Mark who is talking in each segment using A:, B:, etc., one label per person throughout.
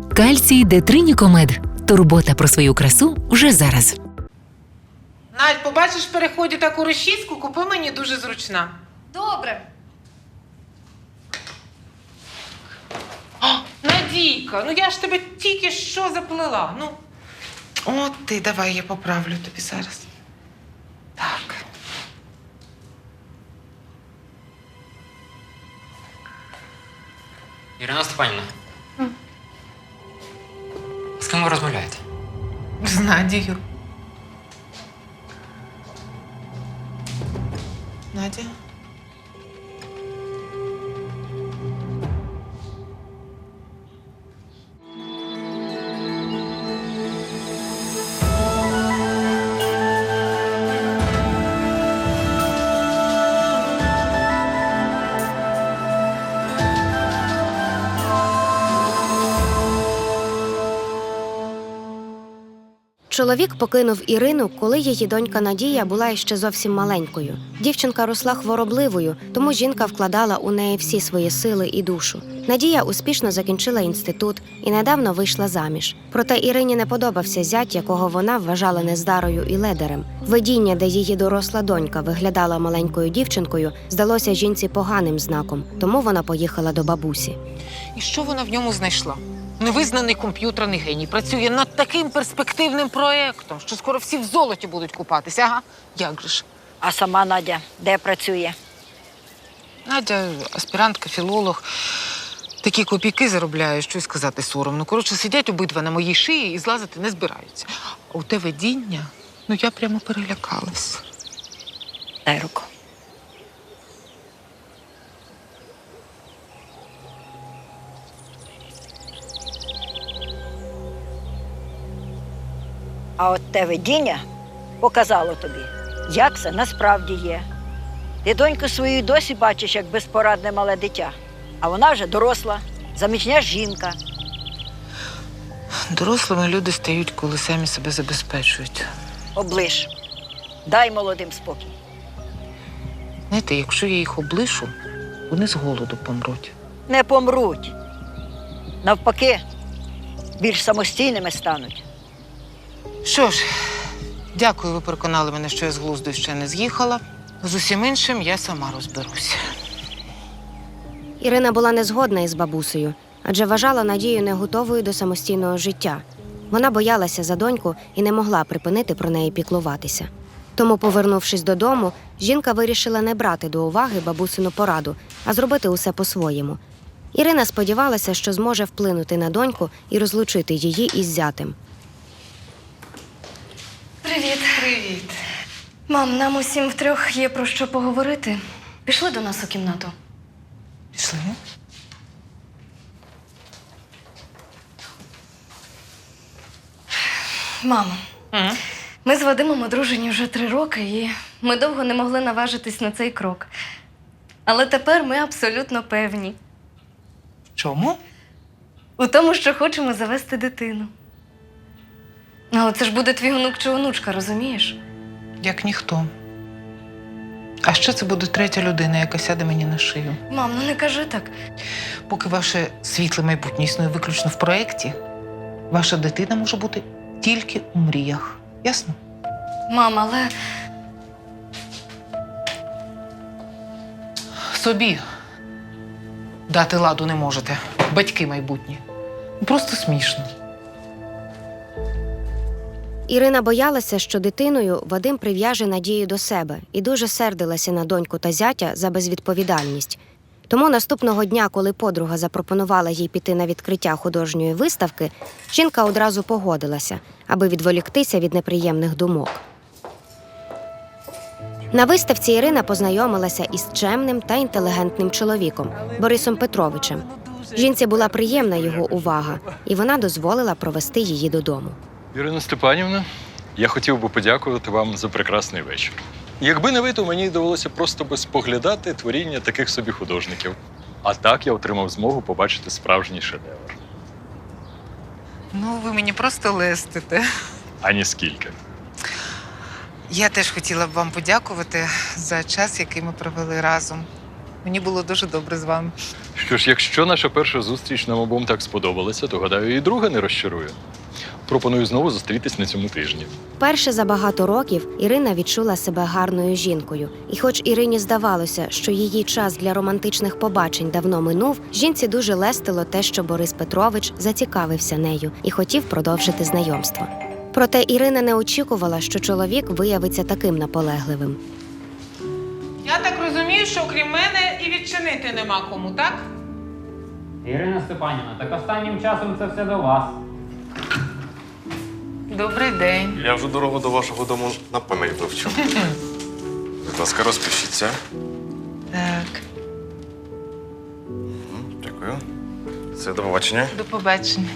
A: Кальцій Детринікомед. Турбота про свою красу вже зараз.
B: Надь, побачиш в переході таку розчіску, купи мені дуже зручна.
C: Добре.
B: О, Надійка, ну я ж тебе тільки що заплела. Ну, от ти, давай я поправлю тобі зараз. Так.
D: Ірина Степанівна. З ким ви розмовляєте?
B: З Надією. Надя?
E: Чоловік покинув Ірину, коли її донька Надія була ще зовсім маленькою. Дівчинка росла хворобливою, тому жінка вкладала у неї всі свої сили і душу. Надія успішно закінчила інститут і недавно вийшла заміж. Проте Ірині не подобався зять, якого вона вважала нездарою і ледарем. Видіння, де її доросла донька виглядала маленькою дівчинкою, здалося жінці поганим знаком, тому вона поїхала до бабусі.
B: І що вона в ньому знайшла? Невизнаний комп'ютерний геній працює над таким перспективним проєктом, що скоро всі в золоті будуть купатися. Ага, як же ж?
F: А сама Надя де працює?
B: Надя аспірантка, філолог. Такі копійки заробляє, що й сказати соромно. Коротше, сидять обидва на моїй шиї і злазити не збираються. А у те видіння, ну я прямо перелякалась.
F: Дай руку. А от те видіння показало тобі, як це насправді є. Ти доньку свою досі бачиш, як безпорадне мале дитя. А вона вже доросла, заміжня жінка.
B: Дорослими люди стають, коли самі себе забезпечують.
F: Оближ. Дай молодим спокій.
B: Знаєте, якщо я їх облишу, вони з голоду помруть.
F: Не помруть. Навпаки, більш самостійними стануть.
B: Що ж, дякую, ви переконали мене, що я з глузду ще не з'їхала. З усім іншим я сама розберуся.
E: Ірина була не згодна із бабусею, адже вважала Надію не готовою до самостійного життя. Вона боялася за доньку і не могла припинити про неї піклуватися. Тому, повернувшись додому, жінка вирішила не брати до уваги бабусину пораду, а зробити усе по-своєму. Ірина сподівалася, що зможе вплинути на доньку і розлучити її із зятем.
C: Привіт.
B: Привіт.
C: Мам, нам усім втрьох є про що поговорити. Пішли до нас у кімнату.
B: Пішли?
C: Мамо, ми з Вадимом одружені вже 3 роки, і ми довго не могли наважитись на цей крок. Але тепер ми абсолютно певні
B: Чому?
C: у тому, що хочемо завести дитину. Але це ж буде твій онук чи онучка, розумієш?
B: Як ніхто. А ще це буде третя людина, яка сяде мені на шию.
C: Мам, ну не кажи так.
B: Поки ваше світле майбутнє існує виключно в проєкті, ваша дитина може бути тільки у мріях. Ясно?
C: Мам, але
B: Собі дати ладу не можете. Батьки майбутні. Просто смішно.
E: Ірина боялася, що дитиною Вадим прив'яже Надію до себе і дуже сердилася на доньку та зятя за безвідповідальність. Тому наступного дня, коли подруга запропонувала їй піти на відкриття художньої виставки, жінка одразу погодилася, аби відволіктися від неприємних думок. На виставці Ірина познайомилася із чемним та інтелігентним чоловіком Борисом Петровичем. Жінці була приємна його увага, і вона дозволила провести її додому.
G: Ірина Степанівна, я хотів би подякувати вам за прекрасний вечір. Якби не ви, то мені довелося просто би споглядати творіння таких собі художників. А так я отримав змогу побачити справжній шедевр.
B: Ну, ви мені просто лестите.
G: Ані скільки.
B: Я теж хотіла б вам подякувати за час, який ми провели разом. Мені було дуже добре з вами.
G: Що ж, якщо наша перша зустріч нам обом так сподобалася, то, гадаю, і друга не розчарує. Пропоную знову зустрітись на цьому тижні.
E: Вперше за багато років Ірина відчула себе гарною жінкою. І хоч Ірині здавалося, що її час для романтичних побачень давно минув, жінці дуже лестило те, що Борис Петрович зацікавився нею і хотів продовжити знайомство. Проте Ірина не очікувала, що чоловік виявиться таким наполегливим.
B: Я так розумію, що окрім мене і відчинити нема кому, так?
D: Ірина Степанівна, так останнім часом це все до вас.
B: Добрий день.
H: Я вже дорогу до вашого дому на пам'ять вивчив. Будь ласка, розпишіться.
B: Так,
H: Дякую. Все, до побачення.
B: до побачення.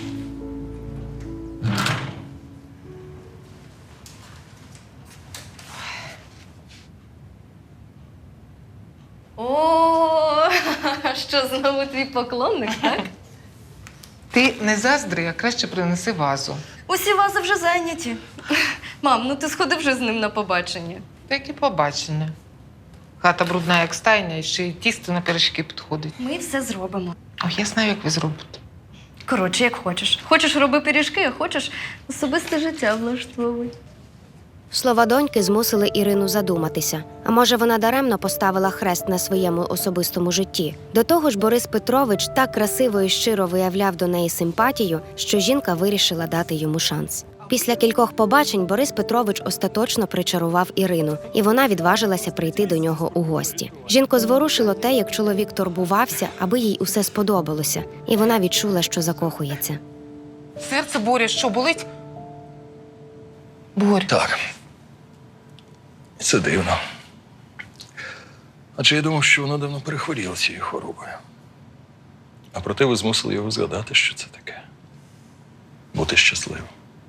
C: О, що знову твій поклонник, так?
B: Ти не заздри, а краще принеси вазу.
C: Усі вази вже зайняті. Мам, ну ти сходи вже з ним на побачення.
B: Таке побачення. Хата брудна, як стайня, і ще й тісто на пиріжки підходить.
C: Ми все зробимо.
B: Ой, я знаю, як ви зробите.
C: Коротше, як хочеш. Хочеш роби пиріжки, а хочеш особисте життя влаштовуй.
E: Слова доньки змусили Ірину задуматися. А може, вона даремно поставила хрест на своєму особистому житті? До того ж, Борис Петрович так красиво і щиро виявляв до неї симпатію, що жінка вирішила дати йому шанс. Після кількох побачень Борис Петрович остаточно причарував Ірину, і вона відважилася прийти до нього у гості. Жінку зворушило те, як чоловік турбувався, аби їй усе сподобалося, і вона відчула, що закохується.
B: Серце, Боря, що, болить? Боря.
G: Так. Це дивно. Адже я думав, що воно давно перехворіло цією хворобою. А проте ви змусили його згадати, що це таке. Бути щасливим.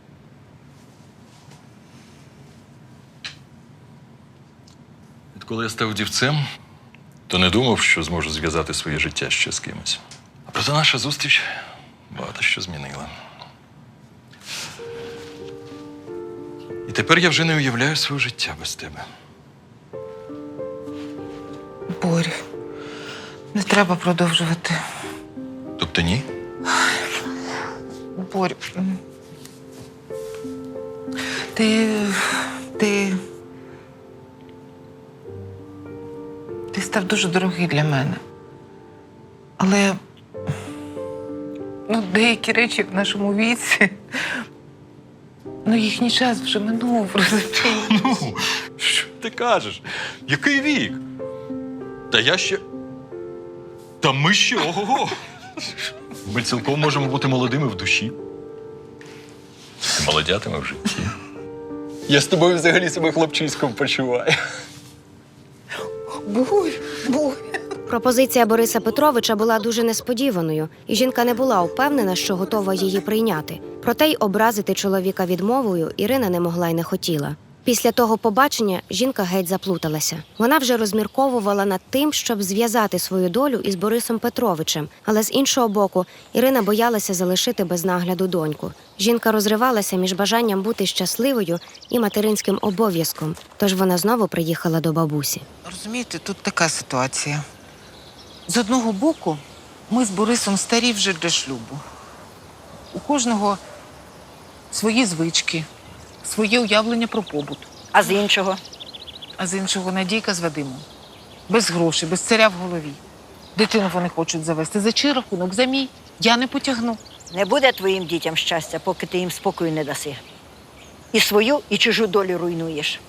G: Відколи я став дівцем, то не думав, що зможу зв'язати своє життя ще з кимось. А проте наша зустріч багато що змінила. І тепер я вже не уявляю своє життя без тебе.
B: Боря, не треба продовжувати.
G: Тобто ні?
B: Боря, ти став дуже дорогий для мене. Але деякі речі в нашому віці, їхній час вже минув, розумієш?
G: Ну, що ти кажеш? Який вік? Та я ще. Та ми ще ого-го. Ми цілком можемо бути молодими в душі. І молодятими в житті. Я з тобою взагалі себе хлопчиськом почуваю.
B: Боря.
E: Пропозиція Бориса Петровича була дуже несподіваною, і жінка не була впевнена, що готова її прийняти. Проте й образити чоловіка відмовою Ірина не могла й не хотіла. Після того побачення жінка геть заплуталася. Вона вже розмірковувала над тим, щоб зв'язати свою долю із Борисом Петровичем, але з іншого боку, Ірина боялася залишити без нагляду доньку. Жінка розривалася між бажанням бути щасливою і материнським обов'язком, тож вона знову приїхала до бабусі.
B: Розумієте, тут така ситуація. З одного боку, ми з Борисом старі вже для шлюбу. У кожного свої звички, своє уявлення про побут.
F: А з іншого?
B: А з іншого Надійка з Вадимом. Без грошей, без царя в голові. Дитину вони хочуть завести. За чий рахунок? За мій. Я не потягну.
F: Не буде твоїм дітям щастя, поки ти їм спокою не даси. І свою, і чужу долю руйнуєш.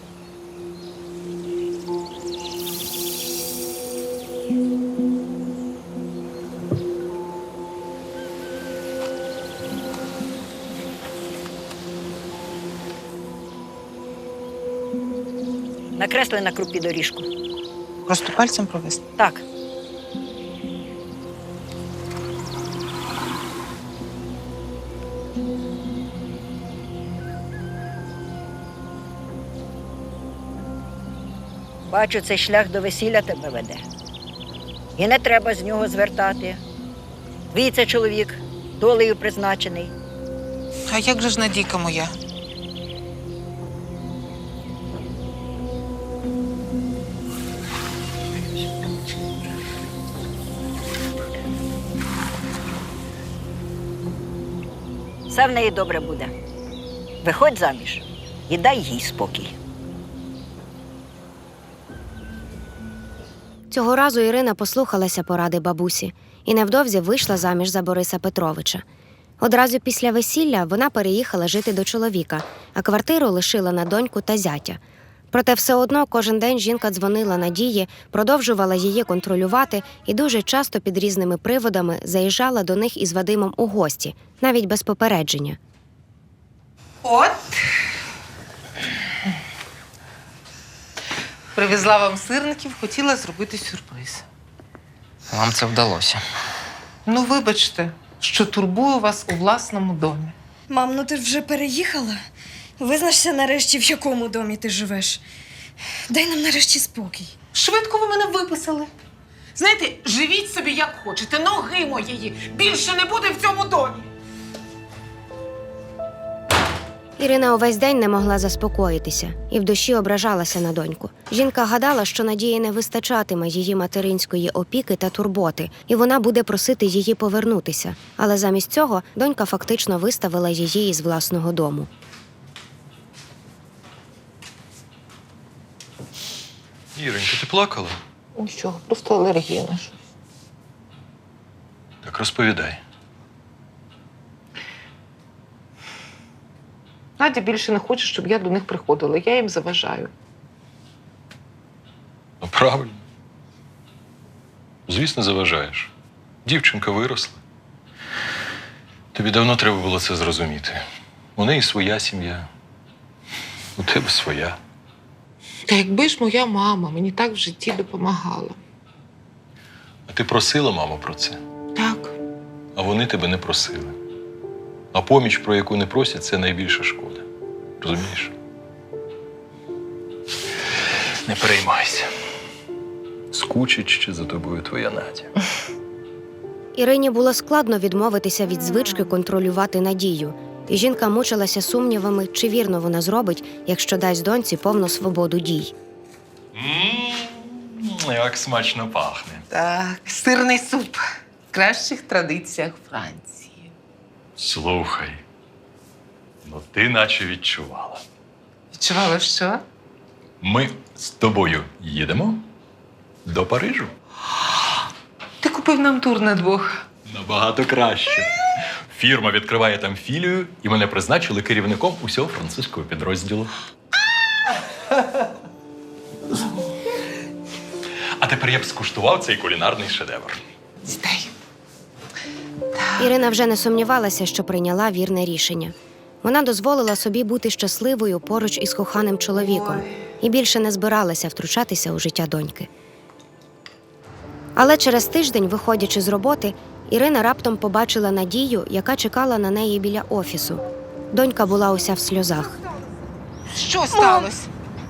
F: Накресли на крупі доріжку.
B: Просто пальцем провести.
F: Так. Бачу, цей шлях до весілля тебе веде. І не треба з нього звертати. Твій це чоловік, долею призначений.
B: А як же ж Надійка моя?
F: Все в неї добре буде. Виходь заміж і дай їй спокій.
E: Цього разу Ірина послухалася поради бабусі і невдовзі вийшла заміж за Бориса Петровича. Одразу після весілля вона переїхала жити до чоловіка, а квартиру лишила на доньку та зятя. Проте все одно кожен день жінка дзвонила Надії, продовжувала її контролювати і дуже часто під різними приводами заїжджала до них із Вадимом у гості, навіть без попередження.
B: От. Привезла вам сирників, хотіла зробити сюрприз.
I: Вам це вдалося.
B: Ну, вибачте, що турбую вас у власному домі.
J: Мам, ну ти ж вже переїхала? Визначся нарешті, в якому домі ти живеш. Дай нам нарешті спокій.
B: Швидко ви мене виписали. Знаєте, живіть собі як хочете, ноги моєї більше не буде в цьому домі.
E: Ірина увесь день не могла заспокоїтися і в душі ображалася на доньку. Жінка гадала, що Надії не вистачатиме її материнської опіки та турботи, і вона буде просити її повернутися. Але замість цього донька фактично виставила її із власного дому.
G: Іронька, ти плакала?
B: Нічого, просто алергія наша.
G: Так розповідай.
B: Надя більше не хоче, щоб я до них приходила. Я їм заважаю.
G: Ну, правильно. Звісно, заважаєш. Дівчинка виросла. Тобі давно треба було це зрозуміти. У неї своя сім'я. У тебе своя.
B: Та якби ж моя мама мені так в житті допомагала.
G: А ти просила маму про це?
B: Так.
G: А вони тебе не просили. А поміч, про яку не просять, це найбільша шкода. Розумієш? Не переймайся. Скучить ще за тобою твоя Надя.
E: Ірині було складно відмовитися від звички контролювати Надію. І жінка мучилася сумнівами, чи вірно вона зробить, якщо дасть доньці повну свободу дій.
G: Як смачно пахне.
B: Так, сирний суп. В кращих традиціях Франції.
G: Слухай, ну ти наче відчувала.
B: Відчувала що?
G: Ми з тобою їдемо до Парижу.
B: Ти купив нам тур на двох.
G: Набагато краще. Фірма відкриває там філію, і мене призначили керівником усього французького підрозділу. А тепер я б скуштував цей кулінарний шедевр.
B: Сідай.
E: Ірина вже не сумнівалася, що прийняла вірне рішення. Вона дозволила собі бути щасливою поруч із коханим чоловіком і більше не збиралася втручатися у життя доньки. Але через тиждень, виходячи з роботи, Ірина раптом побачила Надію, яка чекала на неї біля офісу. Донька була уся в сльозах.
B: Що сталося?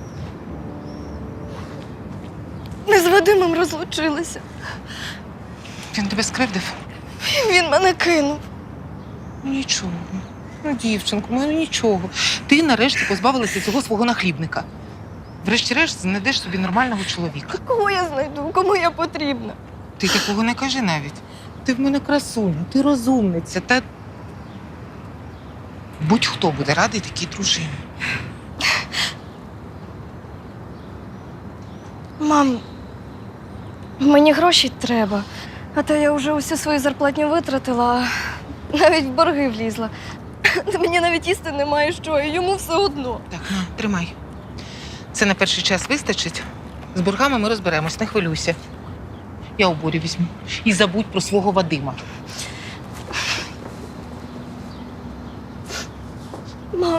C: Ми з Вадимом розлучилися.
B: Він тебе скривдив?
C: Він мене кинув.
B: Ну, нічого. Ну, дівчинку, ну нічого. Ти нарешті позбавилася цього свого нахлібника. Врешті-решт знайдеш собі нормального чоловіка.
C: Кого я знайду? Кому я потрібна?
B: Ти такого не кажи навіть. Ти в мене красуня, ти розумниця, та будь-хто буде радий такій дружині.
C: Мам, мені гроші треба. А то я вже усю свою зарплатню витратила, а навіть в борги влізла. Та мені навіть їсти немає що, і йому все одно.
B: Так, на, тримай. Це на перший час вистачить. З боргами ми розберемось, не хвилюйся. Я у Борі візьму. І забудь про свого Вадима.
C: Мам,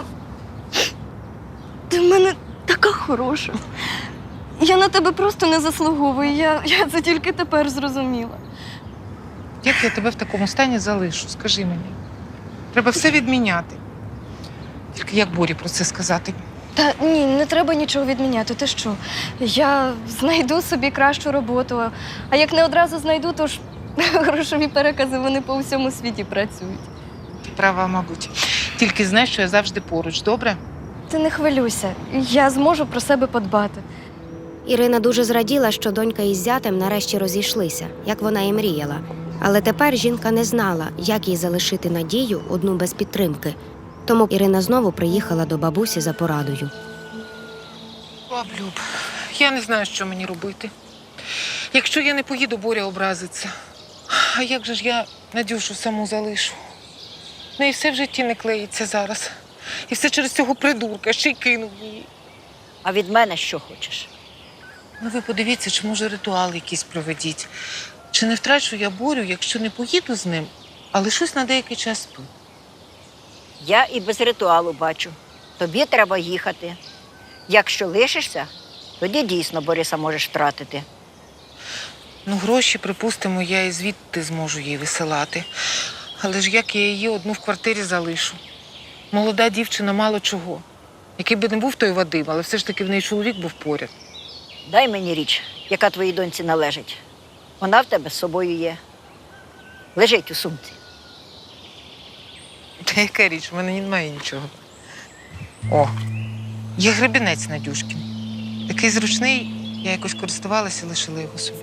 C: ти в мене така хороша. Я на тебе просто не заслуговую. Я це тільки тепер зрозуміла.
B: Як я тебе в такому стані залишу? Скажи мені. Треба все відміняти. Тільки як Борі про це сказати?
C: Та ні, не треба нічого відміняти. Ти що? Я знайду собі кращу роботу. А як не одразу знайду, то ж грошові перекази вони по всьому світі працюють.
B: Ти права, мабуть. Тільки знай, що я завжди поруч, добре?
C: Ти не хвилюйся. Я зможу про себе подбати.
E: Ірина дуже зраділа, що донька із зятем нарешті розійшлися, як вона і мріяла. Але тепер жінка не знала, як їй залишити Надію одну без підтримки. Тому Ірина знову приїхала до бабусі за порадою.
B: Баблюб, я не знаю, що мені робити. Якщо я не поїду, Боря образиться. А як же ж я Надюшу саму залишу? В неї все в житті не клеїться зараз. І все через цього придурка, ще й кинув її.
F: А від мене що хочеш?
B: Ну ви подивіться, чи може ритуал якийсь проведіть. Чи не втрачу я Борю, якщо не поїду з ним, а лишусь на деякий час тут.
F: Я і без ритуалу бачу. Тобі треба їхати. Якщо лишишся, тоді дійсно Бориса можеш втратити.
B: Ну, гроші, припустимо, я і звідти зможу їй висилати. Але ж як я її одну в квартирі залишу? Молода дівчина мало чого. Який би не був той Вадим, але все ж таки в неї чоловік був поряд.
F: Дай мені річ, яка твоїй доньці належить. Вона в тебе з собою є. Лежить у сумці.
B: Та яка річ, в мене немає нічого. О, є гребінець Надюшкін. Такий зручний, я якось користувалася, лишила його собі.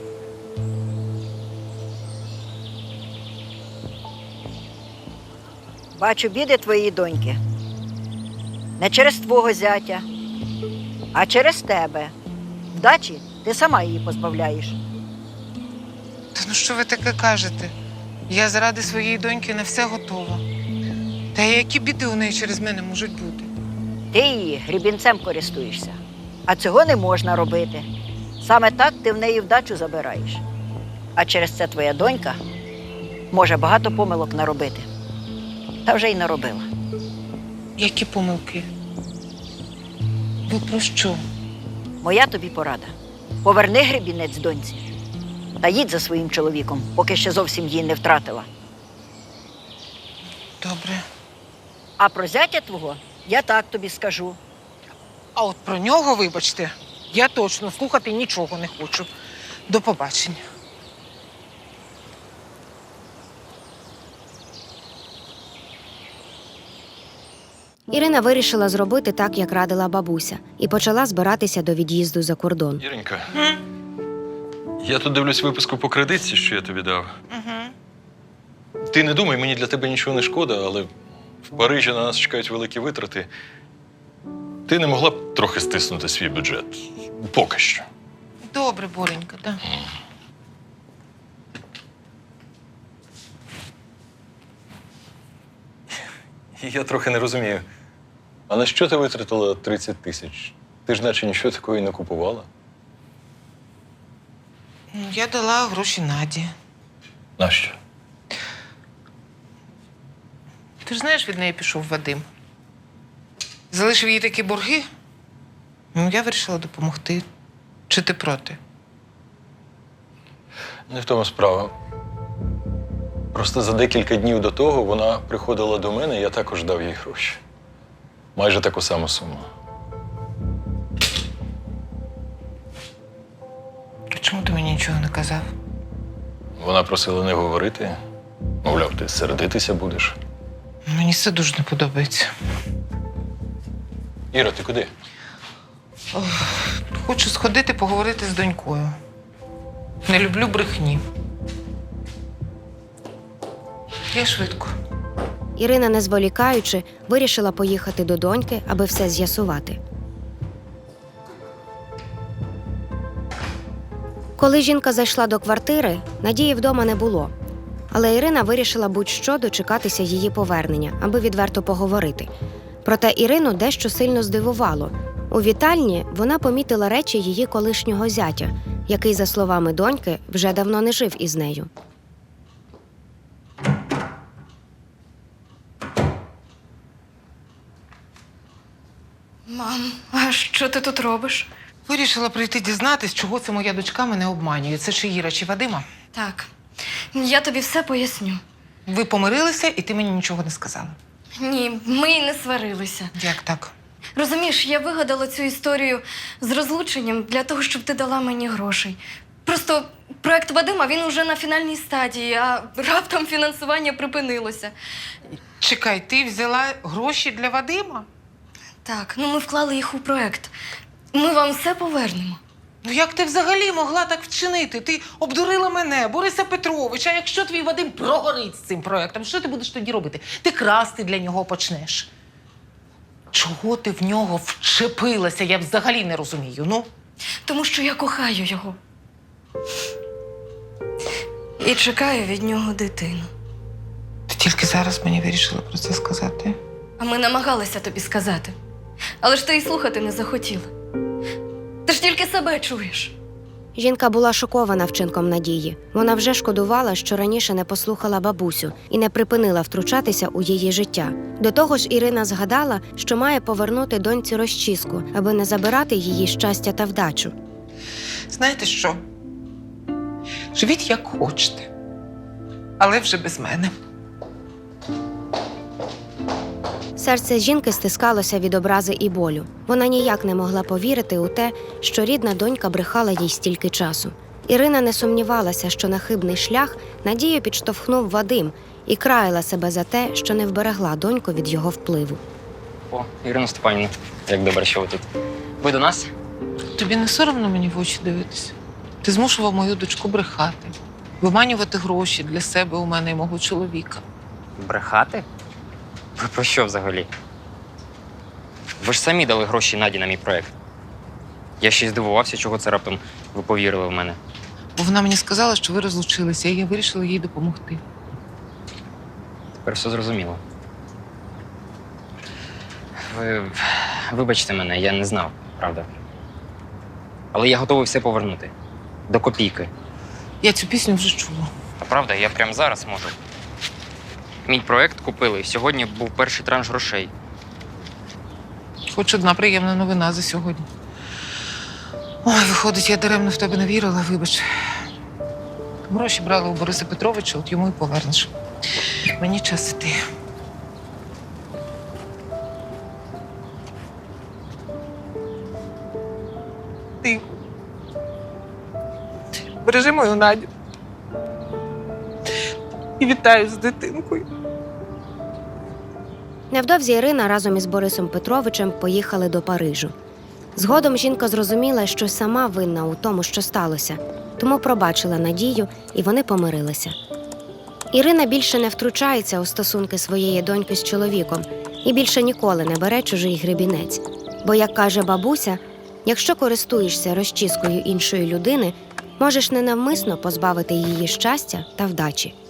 F: Бачу біди твоєї доньки. Не через твого зятя, а через тебе. Вдачі ти сама її позбавляєш.
B: Та ну що ви таке кажете? Я заради своєї доньки на все готова. Та які біди у неї через мене можуть бути?
F: Ти її грібінцем користуєшся. А цього не можна робити. Саме так ти в неї вдачу забираєш. А через це твоя донька може багато помилок наробити. Та вже й наробила.
B: Які помилки? Ви про що?
F: Моя тобі порада. Поверни гребінець доньці та їдь за своїм чоловіком, поки ще зовсім її не втратила.
B: Добре.
F: А про зятя твого я так тобі скажу.
B: А от про нього, вибачте, я точно слухати нічого не хочу. До побачення.
E: Ірина вирішила зробити так, як радила бабуся, і почала збиратися до від'їзду за кордон.
G: Іринька, я тут дивлюсь виписку по кредитці, що я тобі дав. Ти не думай, мені для тебе нічого не шкода, але в Парижі на нас чекають великі витрати. Ти не могла б трохи стиснути свій бюджет? Поки що.
B: Добре, Боренька, так.
G: Я трохи не розумію. А на що ти витратила 30 тисяч? Ти ж наче нічого такого і не купувала.
B: Я дала гроші Наді.
G: Нащо?
B: Ти ж знаєш, від неї пішов Вадим. Залишив їй такі борги. Ну, я вирішила допомогти. Чи ти проти?
G: Не в тому справа. Просто за декілька днів до того вона приходила до мене, і я також дав їй гроші. Майже таку саму суму.
B: А чому ти мені нічого не казав?
G: Вона просила не говорити. Мовляв, ти сердитися будеш.
B: Мені це дуже не подобається.
G: Іра, ти куди?
B: Хочу сходити поговорити з донькою. Не люблю брехні. Я швидко.
E: Ірина, не зволікаючи, вирішила поїхати до доньки, аби все з'ясувати. Коли жінка зайшла до квартири, Надії вдома не було. Але Ірина вирішила будь-що дочекатися її повернення, аби відверто поговорити. Проте Ірину дещо сильно здивувало. У вітальні вона помітила речі її колишнього зятя, який, за словами доньки, вже давно не жив із нею.
C: Мам, а що ти тут робиш?
B: Вирішила прийти дізнатись, чого це моя дочка мене обманює. Це чи Іра, чи Вадима?
C: Так, я тобі все поясню.
B: Ви помирилися, і ти мені нічого не сказала.
C: Ні, ми й не сварилися.
B: Як так?
C: Розумієш, я вигадала цю історію з розлученням для того, щоб ти дала мені грошей. Просто проект Вадима, він уже на фінальній стадії, а раптом фінансування припинилося.
B: Чекай, ти взяла гроші для Вадима?
C: Так, ну ми вклали їх у проект. Ми вам все повернемо.
B: Ну як ти взагалі могла так вчинити? Ти обдурила мене, Бориса Петровича. А якщо твій Вадим прогорить з цим проєктом, що ти будеш тоді робити? Ти красти для нього почнеш. Чого ти в нього вчепилася? Я взагалі не розумію. Ну,
C: Тому що я кохаю його. І чекаю від нього дитину.
B: ти тільки зараз мені вирішила про це сказати.
C: А ми намагалися тобі сказати. Але ж ти і слухати не захотіла. Ти ж тільки себе чуєш.
E: Жінка була шокована вчинком Надії. Вона вже шкодувала, що раніше не послухала бабусю і не припинила втручатися у її життя. До того ж, Ірина згадала, що має повернути доньці розчіску, аби не забирати її щастя та вдачу.
B: Знаєте що? Живіть як хочете, але вже без мене.
E: Серце жінки стискалося від образи і болю. Вона ніяк не могла повірити у те, що рідна донька брехала їй стільки часу. Ірина не сумнівалася, що на хибний шлях Надію підштовхнув Вадим і краяла себе за те, що не вберегла доньку від його впливу.
I: О, Ірина Степанівна, як добре, що ви тут. Ви до нас?
B: Тобі не соромно мені в очі дивитися? Ти змушував мою дочку брехати, виманювати гроші для себе у мене і мого чоловіка.
I: Брехати? Ви про що взагалі? Ви ж самі дали гроші Наді на мій проєкт. Я ще й здивувався, чого це раптом ви повірили в мене.
B: Бо вона мені сказала, що ви розлучилися, і я вирішила їй допомогти.
I: Тепер все зрозуміло. Ви вибачте мене, я не знав, правда. Але я готовий все повернути. До копійки.
B: Я цю пісню вже чула.
I: А правда, я прямо зараз можу. Мій проєкт купили, і сьогодні був перший транш грошей.
B: Хоч одна приємна новина за сьогодні. Ой, виходить, я даремно в тебе не вірила, вибач. Гроші брали у Бориса Петровича, от йому і повернеш. Мені час іти. Ти бережи мою Надю. І вітаю з дитинкою.
E: Невдовзі Ірина разом із Борисом Петровичем поїхали до Парижу. Згодом жінка зрозуміла, що сама винна у тому, що сталося, тому пробачила Надію, і вони помирилися. Ірина більше не втручається у стосунки своєї доньки з чоловіком і більше ніколи не бере чужий гребінець. Бо, як каже бабуся, якщо користуєшся розчіскою іншої людини, можеш ненавмисно позбавити її щастя та вдачі.